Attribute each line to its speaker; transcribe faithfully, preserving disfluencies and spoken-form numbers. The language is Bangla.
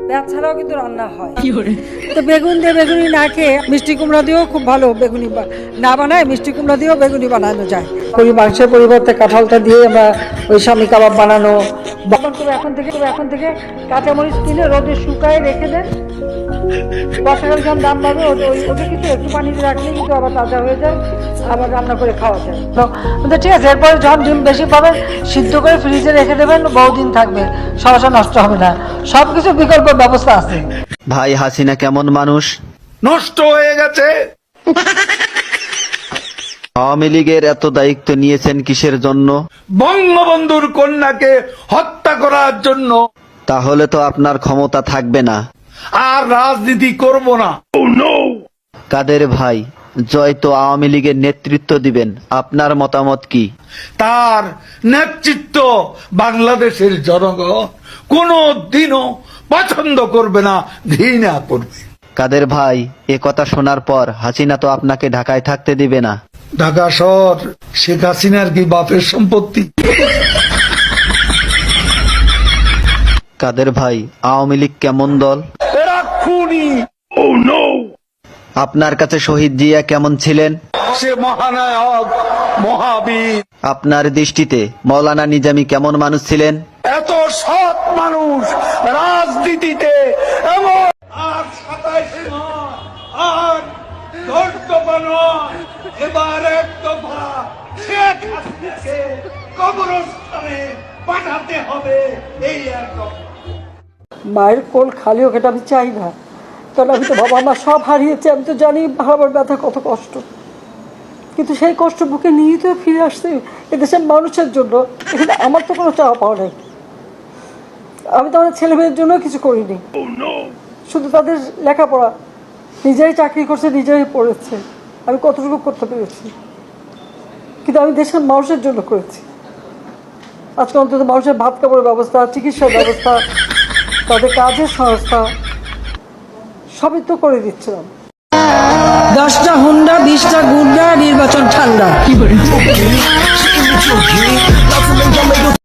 Speaker 1: পেঁয়াজ ছাড়াও কিন্তু রান্না হয়। তো বেগুন দিয়ে বেগুনি না খেয়ে মিষ্টি কুমড়া দিয়েও খুব ভালো বেগুনি না বানায়, মিষ্টি কুমড়া দিয়েও বেগুনি বানানো যায়। ওই মাংসের পরিবর্তে কাঁঠালটা দিয়ে আমরা ওই স্বামী কাবাব বানানো। এখন থেকে এখন থেকে কাঁচামরিচ কিনে রোদে শুকায় রেখে দেন, বর্ষাকাল যখন দাম বাড়বে ওটা কিন্তু একটু পানিতে রাখলে কিন্তু আবার তাজা হয়ে যায়, আবার রান্না করে খাওয়া যায়। তো ঠিক আছে, এরপরে যখন ডিম বেশি পাবেন সিদ্ধ করে ফ্রিজে রেখে দেবেন, বহুদিন থাকবে, সমস্যা নষ্ট হবে না। সব কিছু বিকল্প ব্যবস্থা আছে।
Speaker 2: ভাই হাসিনা কেমন মানুষ?
Speaker 3: নষ্ট হয়ে গেছে।
Speaker 2: আওয়ামী লীগের এত দায়িত্ব নিয়েছেন কিসের জন্য?
Speaker 3: বঙ্গবন্ধুর কন্যাকে হত্যা করার জন্য।
Speaker 2: তাহলে তো আপনার ক্ষমতা থাকবে না।
Speaker 3: আর রাজনীতি করব না।
Speaker 2: কাদের ভাই, জয় তো আওয়ামী লীগের নেতৃত্ব দিবেন, আপনার মতামত কি?
Speaker 3: তার নেতৃত্ব বাংলাদেশের জনগণ কোনো দিনও পছন্দ করবে না, ঘৃণা করবে।
Speaker 2: কাদের ভাই, এ কথা শোনার পর হাসিনা তো আপনাকে ঢাকায় থাকতে দিবে না।
Speaker 3: ঢাকা শহর শেখ হাসিনার কি বাপের সম্পত্তি?
Speaker 2: কাদের ভাই, আওয়ামী লীগ কেমন দল?
Speaker 3: এরা খুনি। Oh no!
Speaker 2: আপনার কাছে শহীদ জিয়া কেমন ছিলেন?
Speaker 3: সে মহানায়ক, মহাবীর।
Speaker 2: আপনার দৃষ্টিতে মৌলানা নিজামী কেমন মানুষ ছিলেন?
Speaker 3: এত সৎ মানুষ রাজনীতিতে এমন আর সাতাইশে নয়, আর দশ দফা নয়, এবার এক দফা শেখ হাসিনাকে কবরস্থানে পাঠাতে হবে। এই এক দফা।
Speaker 1: মায়ের কোল খালি হোক, এটা আমি চাই না। কারণ আমি তো বাবা মা সব হারিয়েছি, আমি তো জানি হারাবার ব্যথা কত কষ্ট। কিন্তু সেই কষ্ট বুকে নিয়ে তো ফিরে আসছে এদেশের মানুষের জন্য। এখানে আমার তো কোনো চাওয়া পাওয়া নেই। আমি তো আমার ছেলে মেয়ের জন্য কিছু করিনি, শুধু তাদের লেখাপড়া। নিজেই চাকরি করছে, নিজেই পড়েছে, আমি কতটুকু করতে পেরেছি। কিন্তু আমি দেশের মানুষের জন্য করেছি। আজকে অন্তত মানুষের ভাত কাপড়ের ব্যবস্থা, চিকিৎসার ব্যবস্থা, তাদের কাজের সংস্থা সবই তো করে দিচ্ছিলাম। দশটা হুন্ডা, বিশটা গুন্ডা, নির্বাচন ঠান্ডা।